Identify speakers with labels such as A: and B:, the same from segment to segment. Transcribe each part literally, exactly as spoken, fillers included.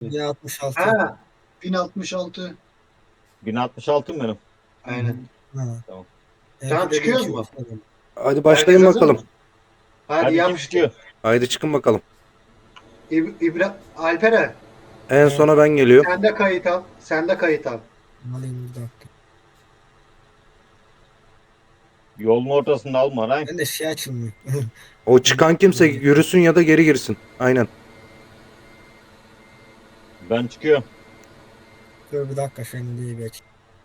A: bin altmış altı.
B: Ha, bin altmış altı.
C: bin altmış altı mı benim?
B: Aynen.
A: Ha.
C: Tamam.
B: Tamam,
A: M P'de
B: çıkıyoruz
A: bin iki
B: mu?
A: yüz falan.
D: Hadi
B: Herkes
D: başlayın
B: hazır
D: bakalım.
B: mı? Hadi
C: Hadi
B: yap
C: kim
B: işte.
C: çıkıyor?
D: Haydi çıkın bakalım.
B: İb İbra Alperen,
D: En
A: Evet.
D: sona ben geliyorum.
B: sen de kayıt al. Sen de kayıt al.
A: Alayım bir dakika.
C: Yolun ortasında alma lan.
A: Ben de şey açılmıyor.
D: O çıkan kimse yürüsün ya da geri girsin. Aynen.
C: Ben çıkıyorum.
A: Dur bir dakika şunu diye bir aç.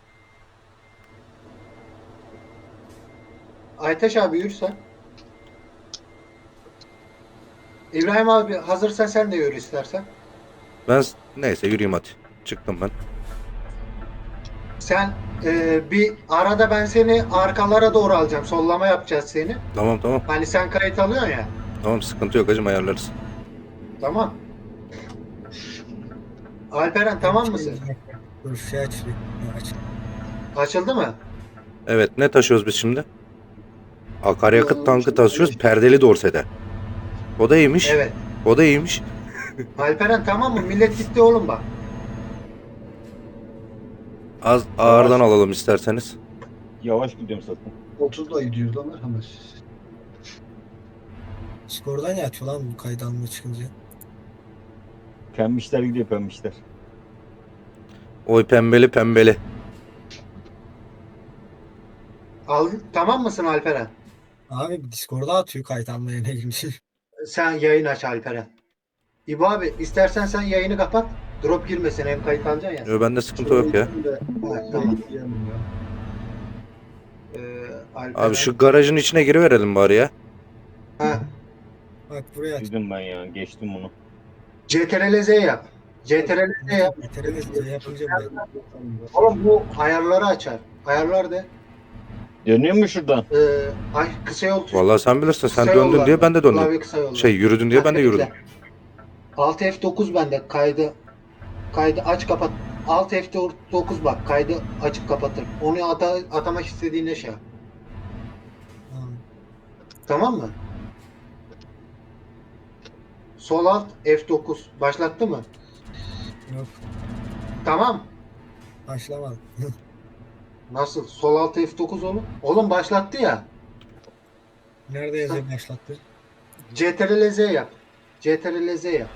B: Aytaş abi yürü sen. İbrahim abi hazırsan sen de yürü istersen.
D: Ben neyse yürüyeyim hadi. Çıktım ben.
B: Sen e, bir arada ben seni arkalara doğru alacağım. Sollama yapacağız seni.
D: Tamam tamam.
B: Hani sen kayıt alıyorsun ya.
D: Tamam sıkıntı yok hacım ayarlarız.
B: Tamam. Alperen tamam mısın?
A: Dur şey açılıyor. Ha, aç.
B: Açıldı mı?
D: Evet ne taşıyoruz biz şimdi? Akaryakıt
B: Yo,
D: tankı taşıyoruz perdeli dorsede. O da iyiymiş.
B: Evet.
D: O da iyiymiş.
B: Alperen tamam mı? Millet gitti oğlum bak.
D: Az ağırdan alalım isterseniz.
C: Yavaş gidiyorum zaten.
B: otuzda gidiyoruz lan merhamet.
A: Skordan ya atıyor lan bu kaydı almaya çıkınca.
C: Pembişler gidiyor pembişler.
D: Oy pembeli pembeli.
B: Al, tamam mısın Alperen?
A: Abi Discord'a atıyor kayıt almaya ne girmiş.
B: Sen yayın aç Alperen. İbo abi istersen sen yayını kapat. Drop girmesin, hem kayıt alacaksın ya.
D: Yo, bende sıkıntı yok ya.
B: Evet, tamam. Ee, Alperen.
D: Abi şu garajın içine giriverelim bari ya.
B: Ha,
A: Bak buraya aç.
C: Dedim ben ya geçtim bunu.
B: C T R L Z yap. C T R L Z yap.
A: Bitiremeyiz yapınca buraya.
B: Oğlum bu ayarları açar. Ayarlar de.
C: Dönüyor mu şuradan?
B: Ee, ay kısa yol tuşu.
D: Vallahi sen bilirsin sen
B: Kısa
D: döndün
B: yollar
D: diye
B: var.
D: ben de döndüm.
B: Klavye kısa yollar.
D: Şey yürüdün diye ben de yürüdüm.
B: Alt F dokuz bende kaydı kaydı aç kapat. Alt F dokuz bak kaydı açıp kapatır. Onu ata, atamak istediğine şey yap.
A: Tamam.
B: Tamam mı? Sol alt F dokuz başlattı mı?
A: Yok
B: Tamam.
A: başlamadı.
B: Nasıl? Sol alt F dokuz oğlum. Oğlum başlattı ya.
A: Nerede yazıyor başlattı?
B: C T R L Z yap. C T R L Z yap.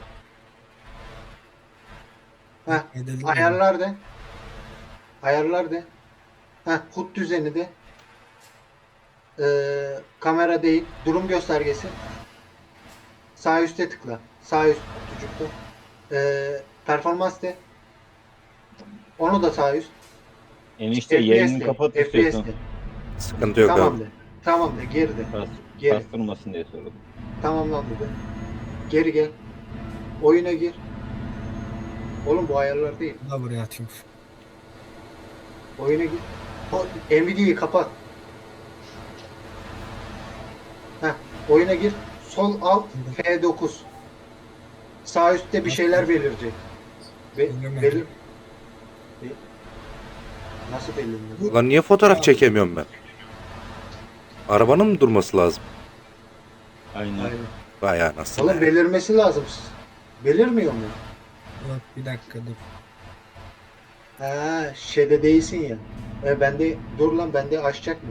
B: Heh.
A: Kaydedildi mi?
B: Ayarlar de. Ayarlar de. Heh. H U D düzeni de. Ee, kamera değil. Durum göstergesi. Sağ üstte tıkla. Sağ üst kutucukta. Ee, performans de. Onu da sağ üst.
C: Enişte
B: F P S
C: yayını
B: de.
C: kapat
B: F P S
C: istiyorsan.
B: de.
D: Sıkıntı yok
B: Tamam
D: abi.
B: de. Tamam de. Geri de.
C: Kas,
B: Geri.
C: kastırmasın diye söyledim.
B: Tamamlandı de. Geri gel. Oyuna gir. Oğlum bu ayarlar değil.
A: Bu da buraya atıyormuş.
B: Oyuna gir. O Nvidia'yı kapat. Heh, oyuna gir. Sol alt F dokuz. Sağ üstte bir şeyler belirecek. Be
A: Bilmiyorum ben.
B: belir. Be- Nasıl belirliyor?
D: Ulan niye fotoğraf çekemiyorum ben? Arabanın mı durması lazım?
C: Aynen.
B: Aynen.
D: Vay anasını.
B: Oğlum belirmesi lazım. Belirmiyor mu?
A: Yok bir dakika dur.
B: Ha, şeyde değilsin ya. E bende dur lan, bende açacak mı?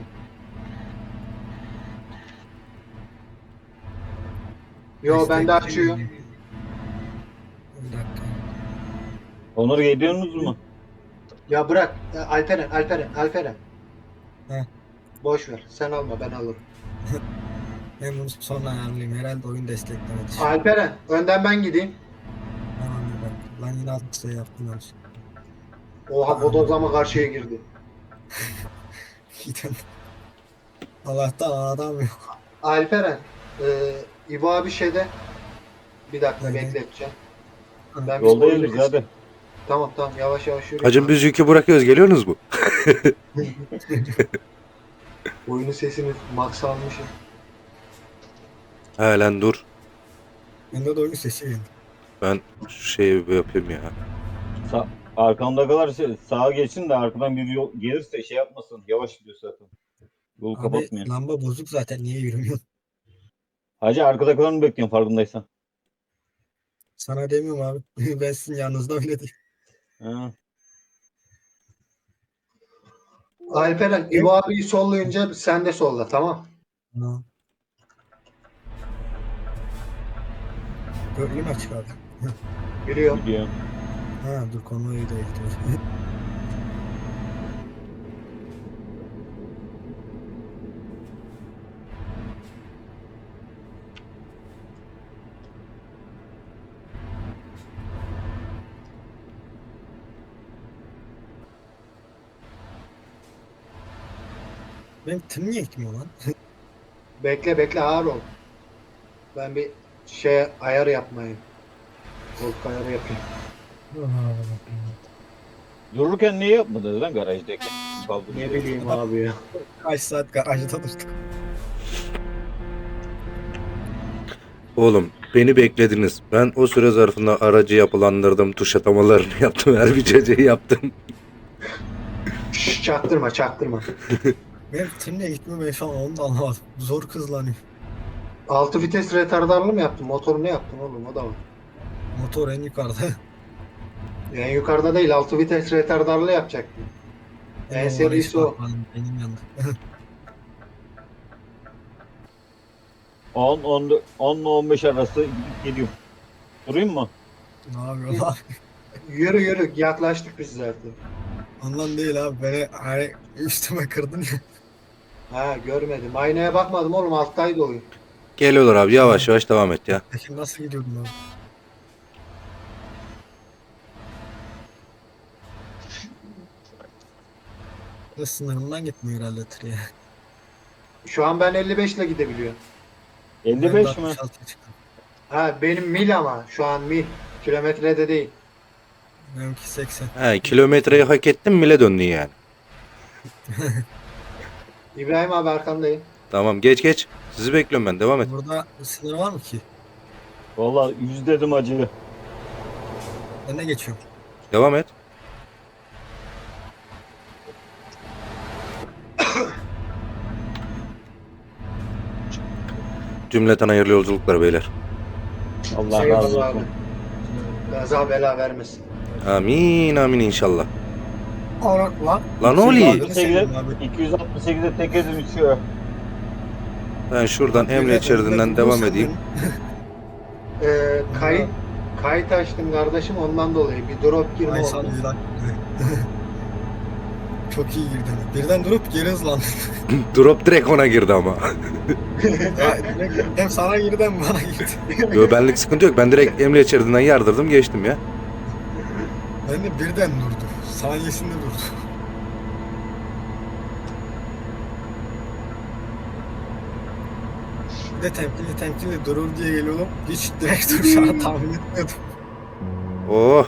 B: Yo
A: Destek
B: bende açıyor.
A: Bir dakika.
C: Onur geliyorsunuz mu?
B: Ya bırak. Ya Alperen, Alperen, Alperen.
A: Heh.
B: Boş ver. Sen alma, ben alırım.
A: Ben bunu sonra ayarlayayım. Herhalde oyun desteklemedi.
B: Alperen, önden ben gideyim.
A: Tamam bir dakika. Lan yine altı şey yaptım yanlış.
B: Oha, bodozlama karşıya girdi.
A: Gidin. Allah'tan adam yok.
B: Alperen, e, İbo abi şeyde. Bir dakika
A: Aynen.
B: bekleteceğim.
A: Ha,
B: Ben bir
C: Yoldayız
B: oyunu-
C: biz hadi.
B: Tamam tamam, yavaş yavaş yürü.
D: Hacım biz yükü bırakıyoruz geliyorsunuz mu?
B: Oyunun sesini max almışım.
D: He lan dur.
A: Bende de oyun sesi geldi.
D: Ben şu şeyi bir yapayım ya.
C: Sa arkamda kalırsa sağa geçin de arkadan bir yol gelirse şey yapmasın. Yavaş gidiyor zaten. Yolu
A: Abi
C: kapatmayın.
A: lamba bozuk zaten niye yürümüyor?
C: Hacı arkadakilerini bekliyorum farkındaysan.
A: Sana demiyorum abi. Ben sizin yanınızda öyle değil.
C: Ha.
B: Alperen İbo abiyi sollayınca sen de solla, tamam.
A: Ha. Gölgün açık abi.
B: Yürüyor.
C: Gidiyorum.
A: Ha dur konvoyu da ekliyor. Benim tim niye gitmiyor lan?
B: Bekle bekle, ağır ol. Ben bir şey ayar yapmayayım. Koltuk ayarı yapayım.
C: Dururken niye yapmadınız lan garajdaki? Kaldırıyor.
B: Ne bileyim abi ya.
A: Kaç saat garajda durduk.
D: Oğlum beni beklediniz. Ben o süre zarfında aracı yapılandırdım. Tuş atamalarını yaptım. Her bir ceceyi yaptım.
B: Şş, çaktırma çaktırma.
A: Benim tim niye gitmiyor ben şu an onu da anlamadım. Zor kızlanıyor.
B: Altı vites retardarlı mı yaptın? Motoru ne yaptın oğlum, o da var.
A: Motor en yukarıda.
B: En yukarıda değil, altı vites retardarlı yapacaktın. En
A: Ama
B: serisi
A: oraya
B: o.
A: hiç bakmadım, benim yanında.
C: on, on, on ile on beş arası gidip geliyorum. Durayım mı?
A: Ne yapıyorsun abi?
B: Yürü yürü, yaklaştık biz zaten.
A: Ondan değil abi. Beni hani üstüme kırdın ya.
B: Ha görmedim. Aynaya bakmadım oğlum, alttaydı oyun.
D: Geliyorlar abi, yavaş yavaş devam et ya.
A: Peki nasıl gidiyordun abi? Ya sınırından gitmiyor herhalde tır ya.
B: Şu an ben elli beş ile gidebiliyorum.
C: elli
A: Ben
C: beş
A: de
C: mi?
A: altmış altıya çıktım.
B: Ha benim mil ama şu an mil. Kilometrede değil.
A: Benimki seksen.
D: He, kilometreyi hak ettin bile döndün yani.
B: İbrahim abi arkandayım.
D: Tamam, geç geç. Sizi bekliyorum ben, devam et.
A: Burada sınır var mı ki?
C: Vallahi yüz dedim acı.
A: Ben de geçiyorum.
D: Devam et. Cümleten hayırlı yolculuklar beyler.
C: Allah
B: Eyvallah
C: razı
B: abi.
C: olsun.
B: Gaza bela vermesin.
D: Amin amin inşallah.
A: Orak lan.
D: Lan ne oluyor?
A: Abi.
C: iki yüz altmış sekizde tek ezim içiyor.
D: Ben şuradan emniyet şeridinden devam edeyim.
B: Ee, kayıt kayıt açtım kardeşim, ondan dolayı bir drop girme
A: Ay
B: oldu.
A: sana bir dakika. Çok iyi girdin. Birden durup geri hızlandın.
D: Drop direkt ona girdi ama.
A: Ya, direkt hem sana girdi hem bana girdi.
D: Yo, benlik sıkıntı yok. Ben direkt emniyet şeridinden yardırdım geçtim ya.
A: Ben de birden durdu. Saniyesinde durdu. Bir de temkinli temkinli durur diye geliyordum. Hiç direkt duracağını tahmin etmiyordum.
D: Oh.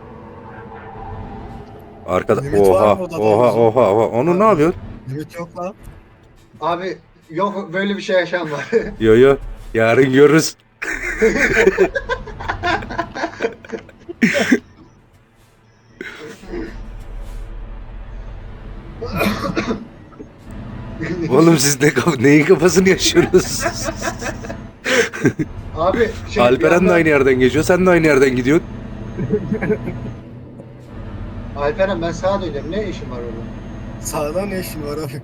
D: Arkada
A: Limit var
D: oha
A: mı odada
D: oha
A: bizim?
D: oha oha. Onu ne yapıyorsun?
A: Limit yok lan.
B: Abi yok böyle bir şey yaşam var.
D: Yo yo. Yarın görürüz. Oğlum siz ne kaf neyin kafasını yaşıyorsunuz?
B: Abi şey,
D: Alperen
B: bir
D: de
B: anda-
D: aynı yerden geçiyor. Sen de aynı yerden gidiyorsun.
B: Alperen ben sağa dönüyorum. Ne işin var orada?
A: Sağda ne işin var abi?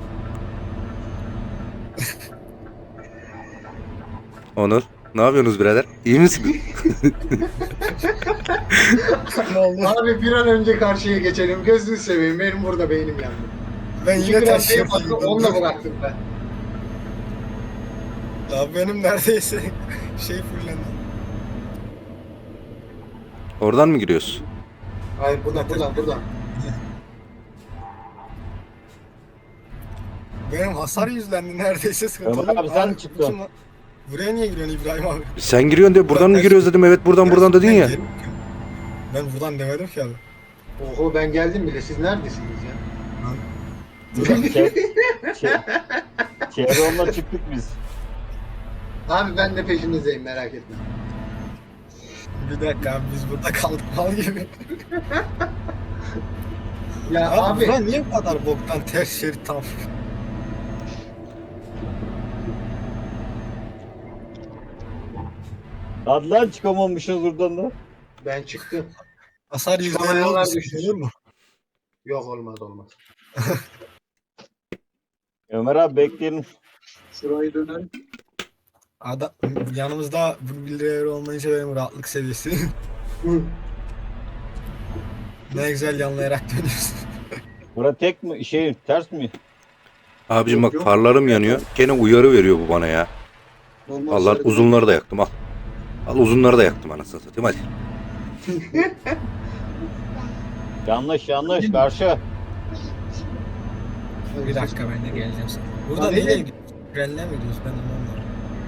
D: Onur. Ne yapıyorsunuz birader? İyi misin?
A: Ne oldu?
B: Abi bir an önce karşıya geçelim. Gözünü seveyim. Benim burada beynim yandı.
A: Ben
B: İki
A: yine
B: gram
A: taşıyorum.
B: şey baktım, onunla bıraktım ben.
A: Abi benim neredeyse şey fullendi.
D: Oradan mı giriyorsun?
B: Hayır buradan buradan buradan.
A: Benim hasar yüzlendi neredeyse sıkıntı
C: Ömer
A: oldu.
C: abi sen
A: Abi,
C: çıktın.
A: kim lan? Buraya niye giriyorsun İbrahim abi?
D: Sen giriyorsun de buradan mı
A: Ben-
D: giriyoruz dedim. Evet buradan buradan dedin
A: Ben
D: ya.
A: geri- Ben buradan demedim ki abi.
B: Oho ben geldim bile. Siz neredesiniz ya?
C: Şey, şey, Chevron'la çıktık biz.
B: Abi ben de peşinizdeyim, merak etme.
A: Bir dakika abi biz burada kaldık mal gibi.
B: Ya
A: Abi,
B: abi,
A: buradan niye bu kadar boktan ters şerit tam?
C: Hadi lan çıkamamışız buradan da.
B: Ben çıktım.
A: Hasar yüzde elli
B: Çıkamayanlar
A: olmuş.
B: düşmüş.
A: Olur mu?
B: Yok olmaz olmaz.
C: Ömer abi bekleyelim.
E: Şurayı dönelim.
A: Adam, yanımızda bu bir lira olmayınca benim rahatlık seviyesi.
B: Hı.
A: Ne güzel yanlayarak dönüyorsun.
C: Bura tek mi? Şey ters mi?
D: Abicim
E: Yok,
D: bak
E: yok.
D: farlarım yanıyor. Gene uyarı veriyor bu bana ya.
E: Normal
D: Allah
E: şerit-
D: uzunları da yaktım al. Al uzunları da yaktım anasını satayım hadi.
C: Yanlış yanlış karşı.
A: Bir dakika ben de geleceğim sana. Burada
B: Abi
A: neyle
B: ne?
A: gidiyoruz? Trenle mi gidiyoruz? Ben anlamadım.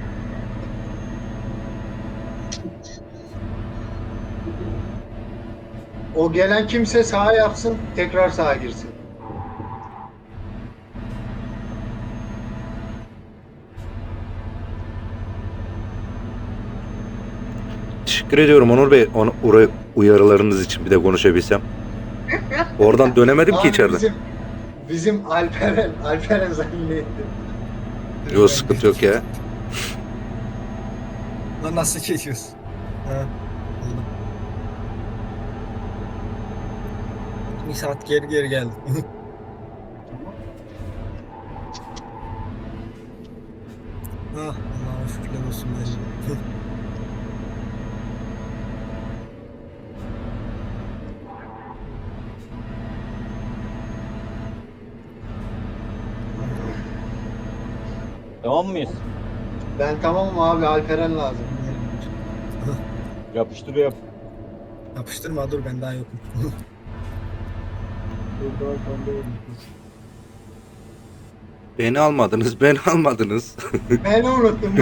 B: O gelen kimse sağa yapsın, tekrar sağa girsin.
D: Teşekkür ediyorum Onur Bey. Onu, oraya uyarılarınız için bir de konuşabilsem. Oradan dönemedim ki
B: Abi
D: içeriden.
B: Bizim, bizim Alperen, Alperen zannetti.
D: Yok sıkıntı yok ya.
A: Lan nasıl geçiyoruz? Ha, anladım. Bir saat geri geri geldim. Ah, Allah'a şükürler olsun. Mecnun.
C: Tamam mıyız?
B: Ben tamamım abi, Alperen lazım.
C: Yapıştır yap.
A: Yapıştırma dur ben daha yokum.
E: Burada arkanda olmuş.
D: Beni almadınız, beni almadınız.
B: Beni unuttum.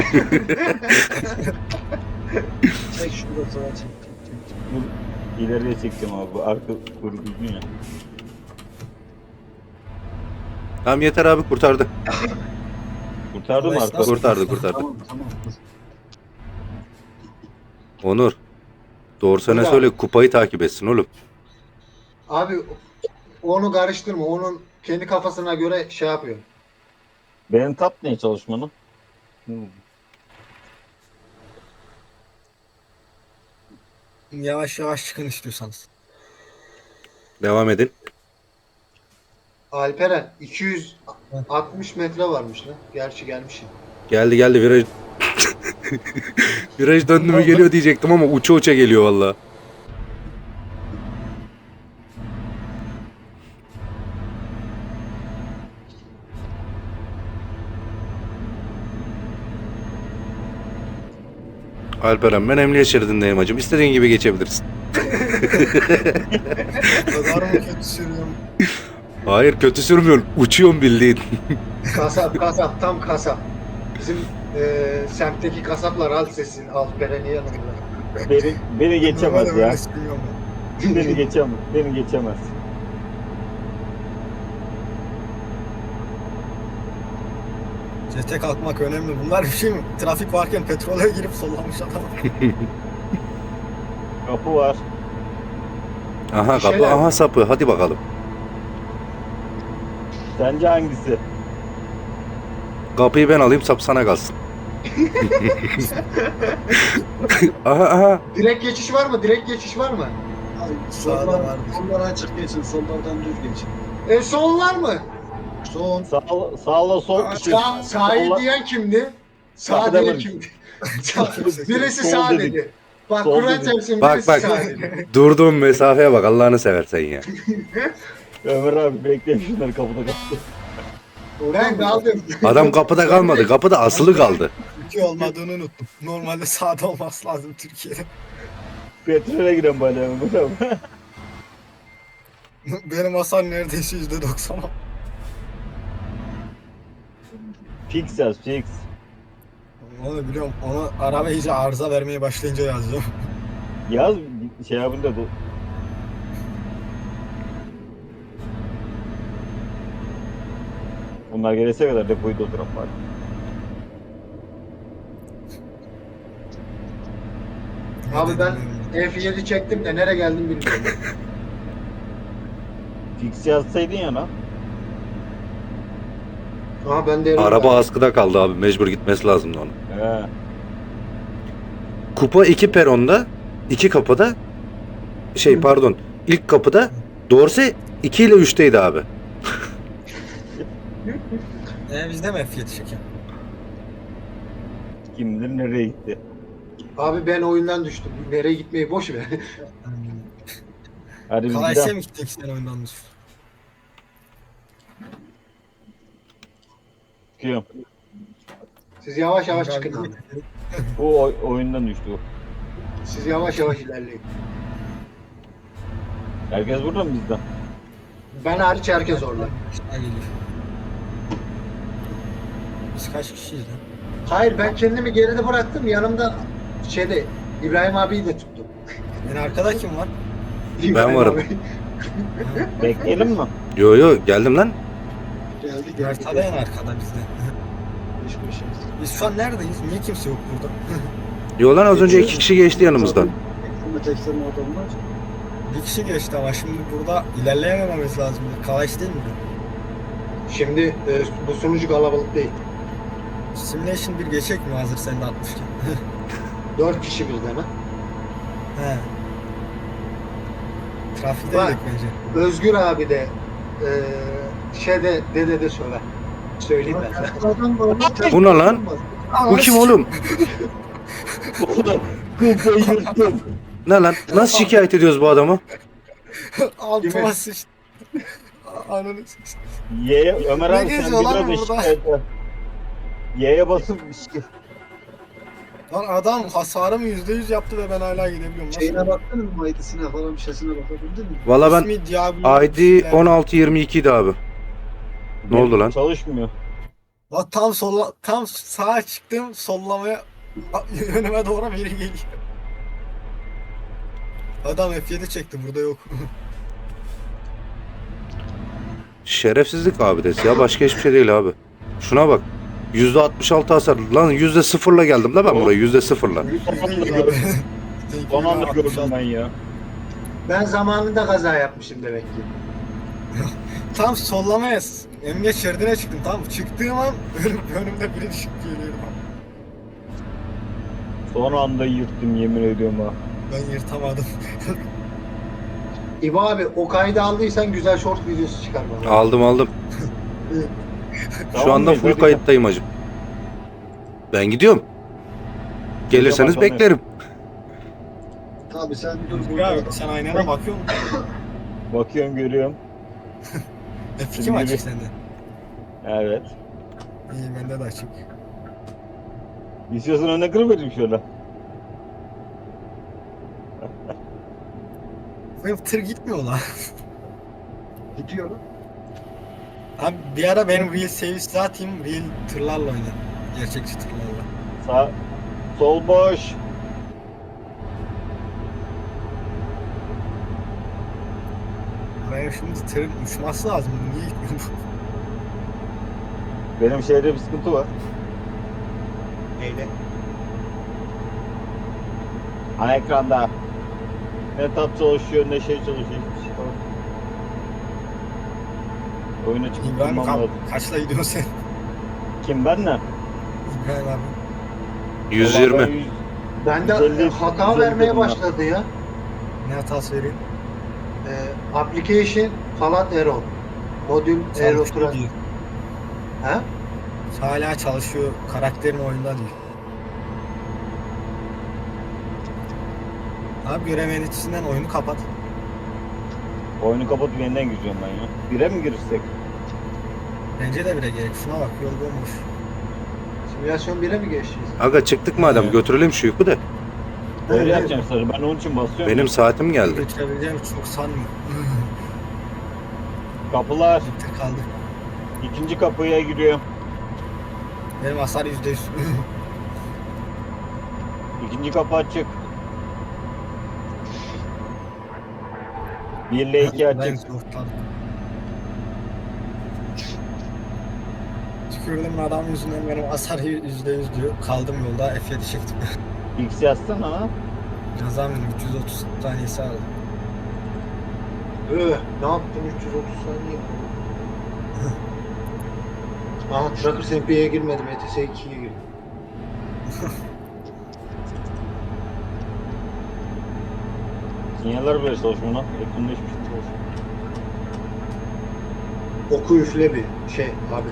E: Çek şurada sağa çek. çek, çek, çek.
C: Dur, İleriye çekeceğim abi. Bu arka kuru düzgün ya.
D: Tamam yeter abi kurtardı.
C: Kurtardı mı
A: Allah
C: arka?
A: esnaf-
D: Kurtardı kurtardı.
E: Tamam tamam. dur.
D: Onur. Doğrusuna
B: Buyur
D: söyle
B: abi.
D: kupayı takip etsin oğlum.
B: Abi onu karıştırma. Onun kendi kafasına göre şey yapıyor.
C: Benim tap ne çalışmanın?
A: Yavaş yavaş çıkın istiyorsanız.
D: Devam edin.
B: Alperen iki yüz altmış metre varmış lan. Gerçi gelmişim.
D: Geldi geldi viraj. Viraj döndü mü geliyor diyecektim ama uça uça geliyor valla. Alperen ben emniyet şeridindeyim hacım. İstediğin gibi geçebilirsin.
A: O kadar mı kötü sürüyorum?
D: Hayır kötü sürmüyorsun. Uçuyorsun bildiğin.
B: Kasap kasap tam kasap. Bizim eee semtteki kasaplar alt sesin Alperen'in yanında.
C: Beni, beni geçemez
A: Normalde
C: ya.
A: böyle sürüyorum ben.
C: Beni geçemez. Beni geçemez.
A: Sete kalkmak önemli. Bunlar bir şey mi? Trafik varken petrole girip sollamış adam.
C: Kapı var.
D: Aha
B: Bir
D: kapı
B: şeyler-
D: aha sapı hadi bakalım.
C: Sence hangisi?
D: Kapıyı ben alayım sap sana kalsın. aha aha.
B: Direkt geçiş var mı? Direkt geçiş var mı?
E: Ay,
A: Sağda
E: soldan,
A: vardır.
E: soldan açık geçin. Sollardan düz geçin.
B: E sol var mı?
E: Son.
C: Sağ, sağla sol.
A: Aa,
C: şey,
B: Sağ, sağı
C: solla-
B: diyen kimdi? Sağ
C: Kapıda
B: diyen
C: var.
B: kimdi? Sağ- birisi
C: Sol
B: sağ
C: dedik.
B: dedi. Bak
C: Sol
B: Kur'an
C: dedik.
B: çarpsın
D: Bak,
B: birisi
D: bak.
B: sağ dedi.
D: Durduğum mesafeye bak Allah'ını seversen ya.
C: Ömer abi bekleyin şunları kapıda kapı.
B: Ben kaldım.
D: Adam kapıda kalmadı. Kapıda asılı kaldı.
A: Türkiye olmadığını unuttum. Normalde sağda olması lazım Türkiye'de.
C: Petrole giren bana Ömer abi.
A: Benim hasar neredeyse yüzde doksan.
C: Fix yaz fix.
A: Onu biliyorum. Onu araba iyice arıza vermeye başlayınca yazacağım.
C: Yaz şey yapın da bu. Bunlar gelese kadar depoyu dolduran var.
B: Abi ben F yedi çektim de nereye geldim bilmiyorum.
C: Fix yazsaydın ya lan.
B: Aha ben de
D: Araba askıda kaldı abi. Mecbur gitmesi lazımdı onun.
C: He.
D: Kupa iki peronda, iki kapıda, şey pardon, ilk kapıda Dorse iki ile üçteydi abi.
A: E bizde mi F yedi çekim?
C: Kim bilir nereye gitti.
B: Abi ben oyundan düştüm. Nereye gitmeyi boş ver.
C: Hadi biz
A: Kalayse
C: gidelim.
A: mi gittik sen oyundan düştün?
C: Çıkıyorum.
B: Siz yavaş yavaş çıkın abi.
C: Bu oy- oyundan düştü o.
B: Siz yavaş yavaş ilerleyin.
C: Herkes burada mı bizden?
B: Ben hariç herkes orada.
A: Ha, geliyor. Biz kaç kişiyiz lan?
B: Hayır ben kendimi geride bıraktım. Yanımda şeyde İbrahim abiyi de tuttum.
A: En arkada kim var?
B: İbrahim
D: varım.
B: abi.
C: Bekleyelim mi?
D: Yo yo geldim lan.
E: Geldi geldi.
A: Haritada en arkada bizde.
E: Hiçbir şey.
A: Biz şu an neredeyiz? Niye kimse yok burada?
D: Yo lan az önce iki kişi geçti yanımızdan.
E: Tekselme tekselme adamlar.
A: Bir kişi geçti ama şimdi burada ilerleyemememiz lazım. Kalaş değil mi?
B: Şimdi e, bu sunucu kalabalık değil.
A: Simulation bir geçecek mi hazır sen de atmışken?
B: Dört kişi birden ha.
A: He. Trafikte
B: Var.
A: yedik bence.
B: Özgür abi de e, şeyde dede de söver. Söyleyeyim ben sana.
E: Adam var.
D: Bu ne lan? Bu kim oğlum?
C: Kupayı yırttım.
D: Ne lan? Nasıl şikayet ediyoruz bu adamı?
A: Altıma
B: Kimi?
A: sıçtı. Ananı sıçtı.
C: Y'ye Ömer
A: Ne
C: abi sen
A: geziyor lan
C: biraz
A: burada?
C: eşit et. Y'ye basıp
A: Lan adam hasarımı yüzde yüz yaptı ve ben hala gidebiliyorum. Nasıl?
E: Şeyine baktın mı? Maydasına falan bir şeysine bakabildin mi?
D: Valla ben
A: İsmi Diablo.
D: I D on altı yirmi iki idi abi. Ne oldu lan?
C: Çalışmıyor.
A: Lan tam sola, tam sağa çıktım sollamaya a- önüme doğru biri geliyor. Adam F yedi çekti burada yok.
D: Şerefsizlik abidesi ya başka hiçbir şey değil abi. Şuna bak. yüzde altmış altı hasar. Lan yüzde sıfırla geldim da ben buraya yüzde sıfırla.
C: Son anda gördüm ben ya.
B: Ben zamanında kaza yapmışım demek ki.
A: Tam sollamaya emniyet şeridine çıktım tamam mı? Çıktığım an önüm, önümde biri düşüp geliyor.
C: Son anda yırttım yemin ediyorum ha.
A: Ben yırtamadım.
B: İbo abi o kaydı aldıysan güzel short videosu çıkar bana.
D: Aldım aldım. Şu
C: Tamam
D: anda
C: mıyız?
D: full
C: Hadi.
D: kayıttayım hacım. Ben gidiyorum. Gelirseniz
C: Tamam,
D: beklerim.
E: Abi sen dur
A: Dur
E: burada.
A: abi sen aynana bakıyor musun?
C: Bakıyorum görüyorum.
A: F iki mi açık sende?
C: Evet.
A: İyi bende de açık.
C: İstiyorsan önüne kırıvereyim şöyle.
A: Benim tır gitmiyor lan.
E: Gidiyorum.
A: Abi bir ara benim real service atayım, real tırlarla oynayayım. Gerçekçi tırlarla.
C: Sağ, sol boş.
A: Benim şimdi tırın uçması lazım. Niye gitmiyor bu?
C: Benim şehirde bir sıkıntı var.
B: Neyle?
C: Ana ekranda. Ne tab çalışıyor ne şey çalışıyor. Hiçbir şey yok. Oyuna çıkıp
A: İbrahim
C: durmam
A: ka-
C: lazım.
A: kaçla gidiyorsun sen?
C: Kim ben ne?
A: İbrahim abi.
D: yüz
C: Vallahi ben
D: yirmi.
C: yüz-
B: Bende
C: yüz elli,
B: hata
C: yüz elli
B: vermeye
C: dedim ben.
B: başladı ya.
A: Ne hatası vereyim?
B: Ee, application falan error. Modül error.
A: Çalışıyor diyor.
B: Ha?
A: Hala çalışıyor. Karakterin oyunda değil. Abi görev yöneticisinden oyunu kapat.
C: Oyunu kapatıp yeniden gireceğim ben ya. Bire mi girsek?
A: Bence de bile gerek. Şuna bak yol bomboş.
B: Simülasyon bire mi geçeceğiz?
D: Aga çıktık madem
A: Evet.
D: götürelim şu yükü de.
C: Öyle
B: Evet.
C: yapacağım sarı. Ben onun için basıyorum.
D: Benim saatim geldi.
A: Götürebileceğimi çok sanmıyorum.
C: Kapılar.
A: Bitti kaldı.
C: İkinci kapıya giriyorum.
A: Benim hasar yüzde yüz.
C: İkinci kapı açık. Bir ile iki
A: Ben
C: açık.
A: zorladım. Tükürdüm adam yüzünden benim hasar yüzde yüz diyor. Kaldım yolda F yedi çektim.
C: X yazsana ha.
A: Yazamıyorum üç yüz otuz saniyesi aldı.
B: Öh, ne yaptın üç yüz otuz saniye? Aha Tracker S M P'ye girmedim. E T S ikiye girdim.
C: Sinyaller bile çalışmıyor lan. Yakında hiçbir şey çalışmıyor.
B: Oku üfle bir şey abi.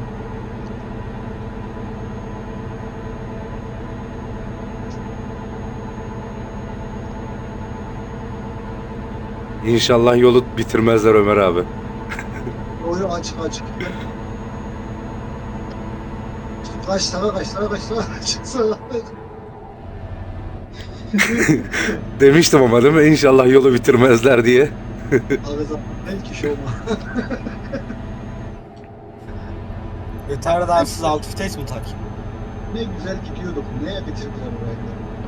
D: İnşallah yolu bitirmezler Ömer abi.
E: Oyu aç aç. Kaç sağa kaç sağa kaç sağa kaç sağa.
D: Demiştim ama değil mi? İnşallah yolu bitirmezler diye.
E: Arada belki şey olma.
A: Yeter daha siz alt vites mi takayım?
E: Ne güzel gidiyorduk. Neye bitirdiler orayı?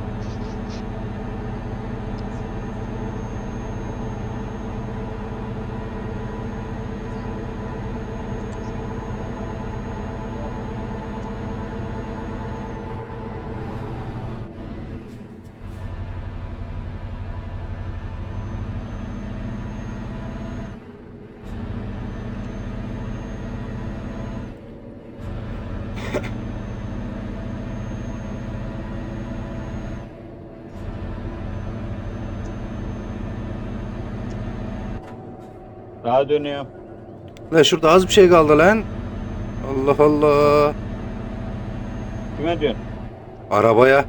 C: Daha dönüyor.
D: Lan şurada az bir şey kaldı lan. Allah Allah.
C: Kime diyorsun?
D: Arabaya.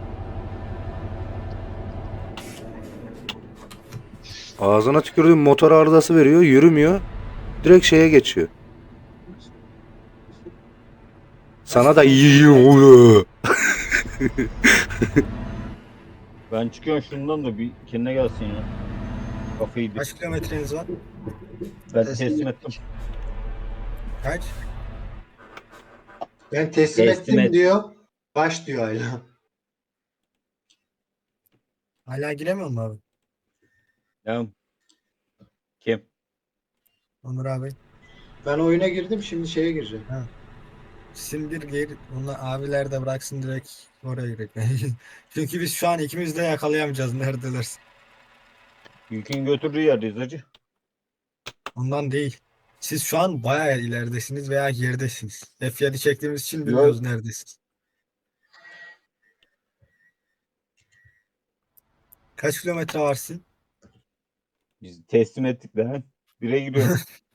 D: Ağzına tükürdüğüm motor arızası veriyor. Yürümüyor. Direkt şeye geçiyor. Sana da iyi oluyor.
C: Ben çıkıyorum şundan da bir kendine gelsin ya. Kafayı yedi.
A: Kaç kilometreniz var?
C: Ben teslim ettim.
A: Kaç?
B: Ben teslim,
C: Teslim
B: ettim
C: et.
B: diyor. Kaç diyor hala.
A: Hala giremiyor mu abi?
C: Ya. Kim?
A: Onur abi.
B: Ben oyuna girdim şimdi şeye gireceğim.
A: Sindir gir. Onlar abiler de bıraksın direkt oraya girek. Çünkü biz şu an ikimiz de yakalayamayacağız neredeler.
C: Yükün götürdüğü yerdeyiz hacı.
A: Ondan değil. Siz şu an bayağı ileridesiniz veya geridesiniz. F yedi çektiğimiz için bilmiyoruz neredesiniz. Kaç kilometre varsın?
C: Biz teslim ettik de. Bire giriyorum.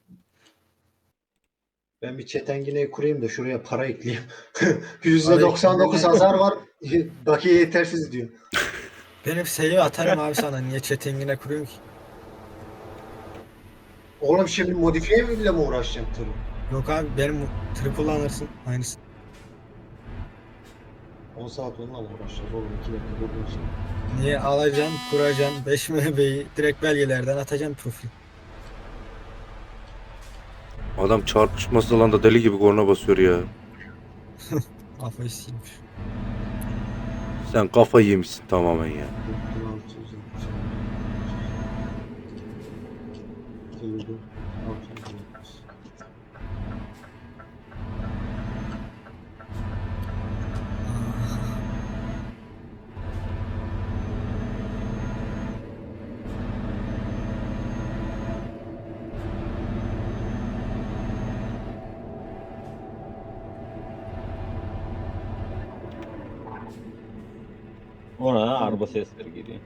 B: Ben bir çetengineyi kurayım da şuraya para ekleyeyim. yüzde doksan dokuz
A: Para
B: hasar var. Bakiye yetersiz diyor.
A: Benim save atarım abi sana. Niye chattingine kuruyorsun ki?
B: Oğlum şimdi modifiye bile mi uğraşacağım tırı?
A: Yok abi benim tır kullanırsın. Aynısı.
B: on saat onunla mı uğraşacağız oğlum? iki dakika durduğun
A: Niye alacaksın, kuracaksın, beş M B'yi direkt belgelerden atacaksın profil.
D: Adam çarpışması alanda deli gibi korna basıyor ya.
A: Kafayı silmiş.
D: Sen kafayı yemişsin tamamen ya.
C: Ona araba sesleri geliyor.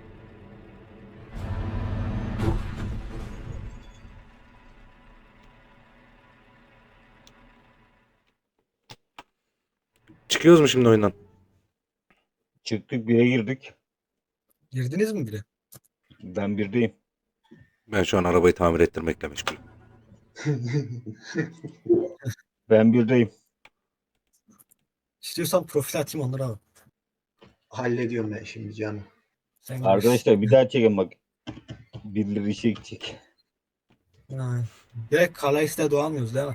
D: Çıkıyoruz mu şimdi oyundan?
C: Çıktık bire girdik.
A: Girdiniz mi bile?
C: Ben birdeyim.
D: Ben şu an arabayı tamir ettirmekle meşgulüm.
C: Ben birdeyim.
A: İstiyorsan profil atayım Onur abi.
B: Hallediyorum ben şimdi canım.
A: Sen
C: Arkadaşlar bir daha çekin bak. Birileri işe gidecek.
A: Ha. Direkt Kalais'te doğamıyoruz değil mi?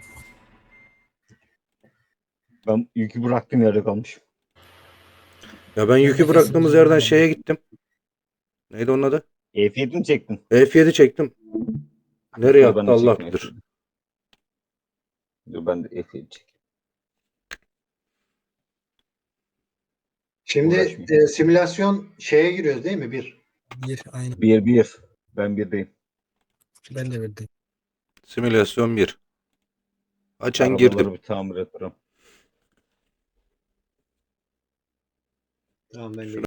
C: Ben yükü bıraktığım yerde kalmışım.
D: Ya ben yükü
A: de
D: bıraktığımız
A: kesin
D: yerden
A: bilmiyorum.
D: şeye gittim. Neydi onun adı?
C: E F yedi mi çektin?
D: F yedi çektim. Nereye
C: Dur,
D: attı
C: ben de
D: Allah
C: çektim
D: bilir.
C: F yedi. Dur ben de F yedi çekeyim.
B: Şimdi
C: Uğraşmayayım.
B: e, simülasyon şeye giriyoruz değil mi? Bir.
A: Bir aynı.
C: Bir bir. Ben birdeyim.
A: Ben de birdeyim.
D: Simülasyon bir. Açan
C: Arabaları
D: girdim.
C: bir tamir yaparım.
B: Tamam ben de
D: Şunu